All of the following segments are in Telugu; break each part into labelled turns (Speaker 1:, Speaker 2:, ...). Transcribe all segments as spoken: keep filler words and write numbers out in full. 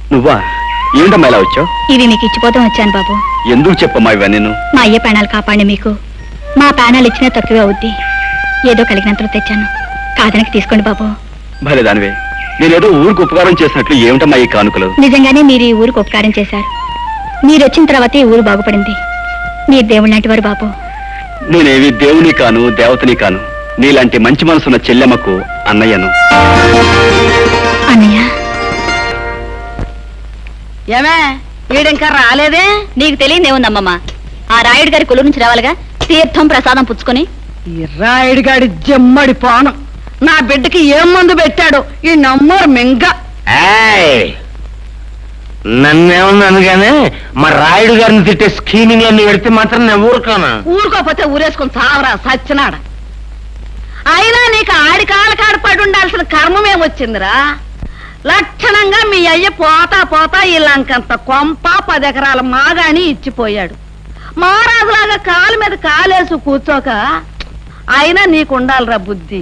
Speaker 1: నువ్వా? ఏమిటమ్మా ఇలా వచ్చావు?
Speaker 2: ఇవి మీకు ఇచ్చిపోతాం వచ్చాను బాబు.
Speaker 1: ఎందుకు చెప్పమ్మా ఇవా? నేను
Speaker 2: మా అయ్య ప్రాణాలు కాపాడి మీకు మా ప్రాణాలు ఇచ్చినా తక్కువే అవుద్ది. ఏదో కలిగినంతలో తెచ్చాను, కాదనకి తీసుకోండి బాబు.
Speaker 1: భలే దానివే, నేనేదో ఊరికి ఉపకారం చేసినట్లు ఏమిటమ్మా ఈ కానుకలు?
Speaker 2: నిజంగానే మీరు ఈ ఊరికి ఉపకారం చేశారు. మీరు వచ్చిన తర్వాతే ఈ ఊరు బాగుపడింది. మీరు దేవుడు లాంటి వారు బాబు.
Speaker 1: నేనేవి దేవుని కాను, దేవతని కాను. నీలాంటి మంచి మనసున్న చెల్లెమ్మకు అన్నయ్యను.
Speaker 2: అన్నయ్య,
Speaker 3: ఏమే వీడింకా రాలేదే?
Speaker 2: నీకు తెలియదేముందమ్మమ్మ, ఆ రాయుడు గారి కొలు నుంచి రావాలిగా, తీర్థం ప్రసాదం పుచ్చుకొని.
Speaker 3: ఈ రాయుడు గాడి జమ్మడి పానం నా బిడ్డకి ఏం మందు పెట్టాడు ఈ నమ్మరు మింగ.
Speaker 4: నన్నేమన్నాను గానీ మా రాయుడు గారిని తిట్టే స్కీమింగ్ అన్ని పెడితే మాత్రం నేను ఊరుకోనా?
Speaker 3: ఊరుకోపోతే ఊరేసుకుని తావరా సచ్చినాడ. అయినా నీకు ఆడి కాళ్ళ కాడ పడి ఉండాల్సిన కర్మమేమొచ్చిందిరా? లక్షణంగా మీ అయ్య పోతా పోతా ఈ లంకంత కొంప పది ఎకరాల మాగాని ఇచ్చిపోయాడు. మహారాజులాగా కాలు మీద కాలేసు కూర్చోక అయినా నీకుండాలిరా బుద్ధి.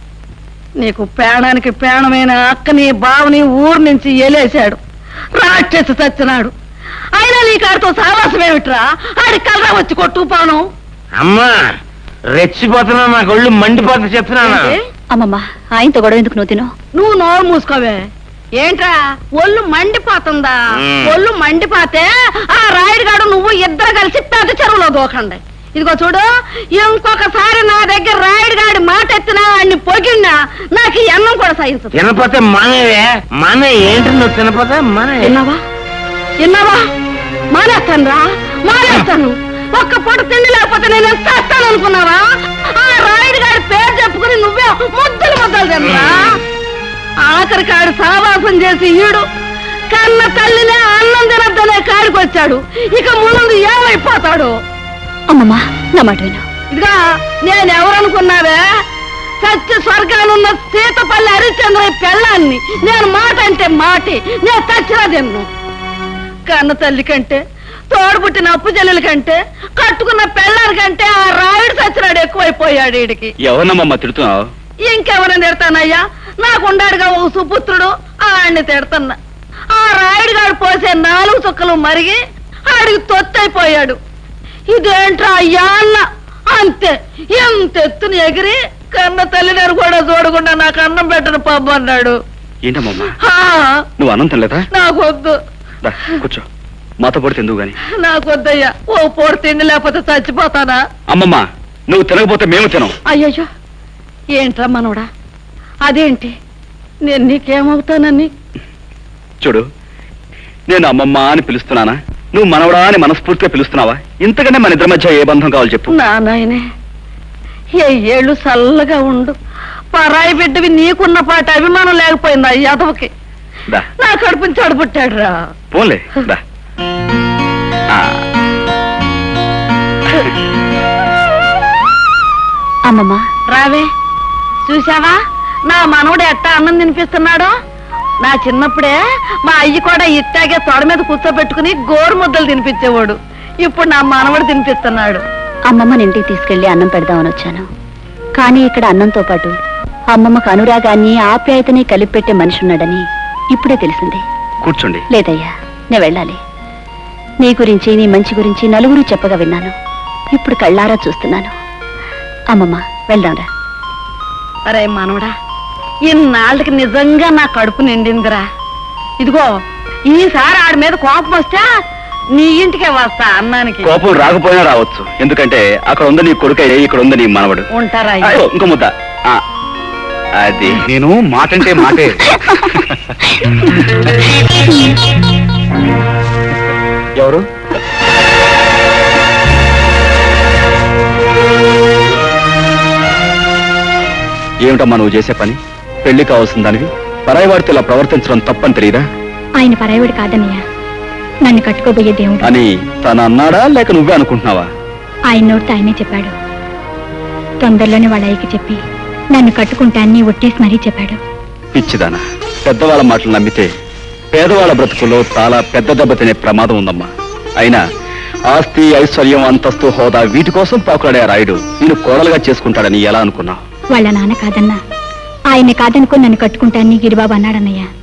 Speaker 3: నీకు పేణానికి పేణమైన అక్కని బావని ఊరు నుంచి ఎలేశాడు, రాక్షసి చచ్చినాడు. అయినా నీ కాడితో సావాసమేమిట్రా? ఆడి కలరా వచ్చి కొట్టుకుపోను.
Speaker 4: అమ్మా రెచ్చిపోతున్నా, నాకు ఒళ్ళు మండిపోతా చెప్తున్నాను.
Speaker 2: అమ్మమ్మ, ఆయనతో గొడవ ఎందుకు నువ్వు తిను?
Speaker 3: నువ్వు నోరు మూసుకోవే. ఏంట్రా ఒళ్ళు మండిపోతుందా? ఒళ్ళు మండిపోతే ఆ రాయుడుగాడు నువ్వు ఇద్దరు కలిసి పెద్ద చెరువులో దూకండి. ఇదిగో చూడు, ఇంకొకసారి నా దగ్గర రాయుడుగాడి మాట ఎత్తినా అన్ని పొగిడినా నాకు ఈ అన్నం కూడా సహించదు.
Speaker 4: తినపోతే మానేవే, మానే. ఏంటి నువ్వు తినపోతే మానే?
Speaker 3: విన్నావా విన్నావా? మానేస్తాను రా, మానేస్తాను. ఒక్క పూట తిండి లేకపోతే నేను ఎంత చేస్తాను అనుకున్నావా? ఆ రాయుడుగాడి పేరు చెప్పుకుని నువ్వే ముద్దలు ముద్దలు తినరా? ఆఖరి కాడు సావాసం చేసి ఈడు కన్న తల్లినే అన్నం తినద్దనే కాడికి వచ్చాడు. ఇక ముందు ఏమైపోతాడు?
Speaker 2: అమ్మమ్మ, నా మాట విను.
Speaker 3: ఇదిగా నేనెవరనుకున్నావే? సత్య స్వర్గానున్న సీతపల్లి హరిశ్చంద్ర పెళ్ళాన్ని. నేను మాట అంటే మాటి, నేను చచ్చినా తిన్ను. కన్న తల్లి కంటే, తోడుబుట్టిన అప్పు చెల్లెల కంటే, కట్టుకున్న పెళ్ళాని కంటే ఆ రాయుడు సచ్చినాడు ఎక్కువైపోయాడు. వీడికి
Speaker 1: ఎవరినమ్మా తిడుతున్నావు?
Speaker 3: ఇంకెవరిని తిడతానయ్యా? నాకుండాడుగా ఓ సుపుత్రుడు, ఆడిని తిడతన్నా. ఆ రాయుడు గారు పోసే నాలుగు చుక్కలు మరిగి ఆడికి తొత్తైపోయాడు. ఇదేంట్రా అయ్యా అన్న అంతే. ఎంత ఎత్తుని ఎగిరి కన్న తల్లిని కూడా చూడకుండా నాకు అన్నం పెట్టను పబ్బు అన్నాడు.
Speaker 1: ఏంటమ్మా నువ్వు అన్నం తినలేదా?
Speaker 3: నాకొద్దు.
Speaker 1: కూర్చో, మాతో పొడి తిందువు గాని.
Speaker 3: నాకొద్దయ్యా, ఓ పూట తిండి లేకపోతే చచ్చిపోతానా?
Speaker 1: అమ్మమ్మ, నువ్వు తినకపోతే మేము తినం.
Speaker 3: అయ్యయ్యో, ఏంట్రా మనోడా? అదేంటి, నేను నీకేమవుతానని?
Speaker 1: చూడు, నేను అమ్మమ్మ అని పిలుస్తున్నానా, నువ్వు మనవడా అని మనస్ఫూర్తిగా పిలుస్తున్నావా? ఇంతకనే మన ఇద్దరి మధ్య ఏ బంధం కావాలి చెప్పు.
Speaker 3: నా నాయనే, ఏ ఏళ్ళు చల్లగా ఉండు. పరాయి బిడ్డవి నీకున్న పాట అభిమానం లేకపోయిందా యాదవకి? నా కడుపుని చెడబుట్టాడు రా.
Speaker 1: పోన్లే దా.
Speaker 2: అమ్మమ్మ,
Speaker 3: రావే. చూసావా నా మనవడు ఎట్టా అన్నం తినిపిస్తున్నాడో? నా చిన్నప్పుడే మా అయ్యి కూడా ఇట్టాగే తొడ మీద కూర్చోబెట్టుకుని గోరు ముద్దలు తినిపించేవాడు. ఇప్పుడు నా మనవడు తినిపిస్తున్నాడు.
Speaker 2: అమ్మమ్మని ఇంటికి తీసుకెళ్లి అన్నం పెడదామని వచ్చాను. కానీ ఇక్కడ అన్నంతో పాటు అమ్మమ్మకు అనురాగాన్ని ఆప్యాయతని కలిపి పెట్టే మనిషి ఉన్నాడని ఇప్పుడే తెలిసింది.
Speaker 1: కూర్చోండి.
Speaker 2: లేదయ్యా, నేను వెళ్ళాలి. నీ గురించి, నీ మంచి గురించి నలుగురు చెప్పగా విన్నాను. ఇప్పుడు కళ్ళారా చూస్తున్నాను. అమ్మమ్మ, వెళ్దాంరా.
Speaker 3: అరే మనవడా, ఇన్నాళ్ళకి నిజంగా నా కడుపు నిండిందిరా. ఇదిగో ఈసారి ఆడి మీద కోపం వస్తే నీ ఇంటికే వస్తా అన్నానికి.
Speaker 1: కోపం రాకపోయినా రావచ్చు, ఎందుకంటే అక్కడ ఉంది నీ కొడుకయ్యే, ఇక్కడ ఉంది నీ మనవడు.
Speaker 3: ఉంటారా?
Speaker 1: ఇంకో ముద్ద. అది నేను మాటంటే మాటే. ఎవరు? ఏమిటమ్మా నువ్వు చేసే పని? పెళ్లి కావాల్సిన దానివి పరాయివాడితో ఇలా ప్రవర్తించడం తప్పని తెలియదా?
Speaker 2: ఆయన పరాయివాడు కాదన్నయ్య, నన్ను కట్టుకోబోయే దేవుడు
Speaker 1: అని తను అన్నాడా, లేక నువ్వే అనుకుంటున్నావా?
Speaker 2: ఆయన నోటితో ఆయనే చెప్పాడు. తొందరలోనే వాళ్ళ అయ్యకి చెప్పి నన్ను కట్టుకుంటాన్ని ఒట్టేసి మరీ చెప్పాడు.
Speaker 1: పిచ్చిదానా, పెద్దవాళ్ళ మాటలు నమ్మితే పేదవాళ్ళ బ్రతుకుల్లో చాలా పెద్ద దెబ్బ తినే ప్రమాదం ఉందమ్మా. అయినా ఆస్తి, ఐశ్వర్యం, అంతస్తు, హోదా వీటి కోసం పాకులాడే రాయుడు నేను కోడలుగా చేసుకుంటాడని ఎలా అనుకున్నావు?
Speaker 2: వాళ్ళ నాన్న కాదన్నా, ఆయన్ని కాదనుకుని నన్ను కట్టుకుంటాన్ని గిరిబాబు అన్నాడన్నయ్య.